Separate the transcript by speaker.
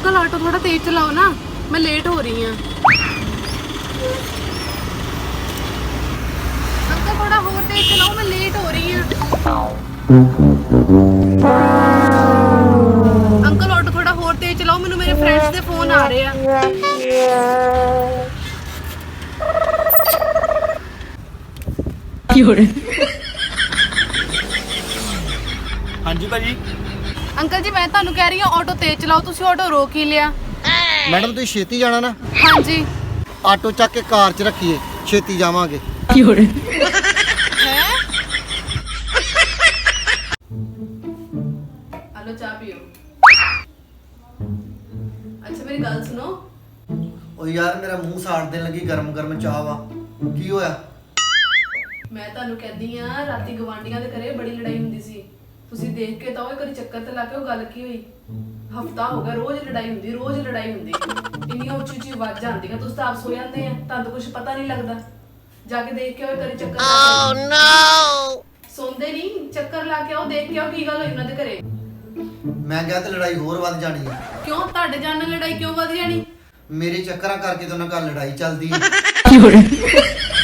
Speaker 1: Uncle auto थोड़ा तेज चलाओ ना, मैं लेट हो रही हूँ। अंकल थोड़ा और तेज चलाओ, मैं लेट हो रही हूँ। अंकल ऑटो थोड़ा और तेज चलाओ, मैनू मेरे फ्रेंड्स के फोन आ रहे हैं।
Speaker 2: हाँ जी भाजी।
Speaker 1: अंकल जी मैं ਤੁਹਾਨੂੰ ਕਹਿ ਰਹੀ ਹਾਂ ਆਟੋ ਤੇਜ਼ ਚਲਾਓ, ਤੁਸੀਂ ਆਟੋ ਰੋਕ ਹੀ ਲਿਆ।
Speaker 3: ਮੈਡਮ ਤੁਸੀਂ ਛੇਤੀ ਜਾਣਾ ਨਾ,
Speaker 1: ਹਾਂਜੀ
Speaker 3: ਆਟੋ ਚੱਕ ਕੇ ਕਾਰ 'ਚ ਰੱਖੀਏ, ਛੇਤੀ ਜਾਵਾਂਗੇ।
Speaker 1: ਹੈ ਹਲੋ ਚਾਹ ਪੀਓ। ਅੱਛਾ ਮੇਰੀ ਗੱਲ ਸੁਣੋ।
Speaker 3: ਓ ਯਾਰ ਮੇਰਾ ਮੂੰਹ ਸਾੜ ਦੇਣ ਲੱਗੀ, ਗਰਮ ਗਰਮ ਚਾਹ ਵਾ। ਕੀ ਹੋਇਆ?
Speaker 1: ਮੈਂ ਤੁਹਾਨੂੰ ਕਹਿੰਦੀ ਆ ਰਾਤੀ ਗਵਾਂਡੀਆਂ ਦੇ ਘਰੇ ਬੜੀ ਲੜਾਈ ਹੁੰਦੀ ਸੀ, ਤੁਸੀਂ ਦੇਖ ਕੇ ਤਾਂ ਉਹ ਕਦੀ ਚੱਕਰ ਤੇ ਲਾ ਕੇ ਉਹ ਗੱਲ ਕੀ ਹੋਈ। ਹਫਤਾ ਹੋ ਗਿਆ ਰੋਜ਼ ਲੜਾਈ ਹੁੰਦੀ, ਰੋਜ਼ ਲੜਾਈ ਹੁੰਦੀ, ਇੰਨੀਆਂ ਉੱਚੀ ਉੱਚੀ ਆਵਾਜ਼ਾਂ ਆਉਂਦੀਆਂ, ਤੁਸੀਂ ਤਾਂ ਆਪ ਸੋ ਜਾਂਦੇ ਆ, ਤੁਹਾਨੂੰ ਤਾਂ ਕੁਝ ਪਤਾ ਨਹੀਂ ਲੱਗਦਾ। ਜਾ ਕੇ ਦੇਖ ਕੇ ਆਓ ਕਦੀ ਚੱਕਰ ਲਾ ਕੇ। ਨੋ ਸੌਂਦੇ ਨਹੀਂ, ਚੱਕਰ ਲਾ ਕੇ ਆਓ, ਦੇਖ ਕੇ ਆਓ ਕੀ ਗੱਲ ਹੋਈ ਉਹਨਾਂ ਦੇ ਘਰੇ।
Speaker 3: ਮੈਂ ਕਿਹਾ ਤੇ ਲੜਾਈ ਹੋਰ ਵੱਧ ਜਾਣੀ ਹੈ।
Speaker 1: ਕਿਉਂ ਤੁਹਾਡੇ ਜਾਣ ਨਾਲ ਲੜਾਈ ਕਿਉਂ ਵਧ ਜਾਣੀ?
Speaker 3: ਮੇਰੇ ਚੱਕਰਾਂ ਕਰਕੇ ਤਾਂ ਉਹਨਾਂ ਘਰ ਲੜਾਈ ਚੱਲਦੀ ਹੈ।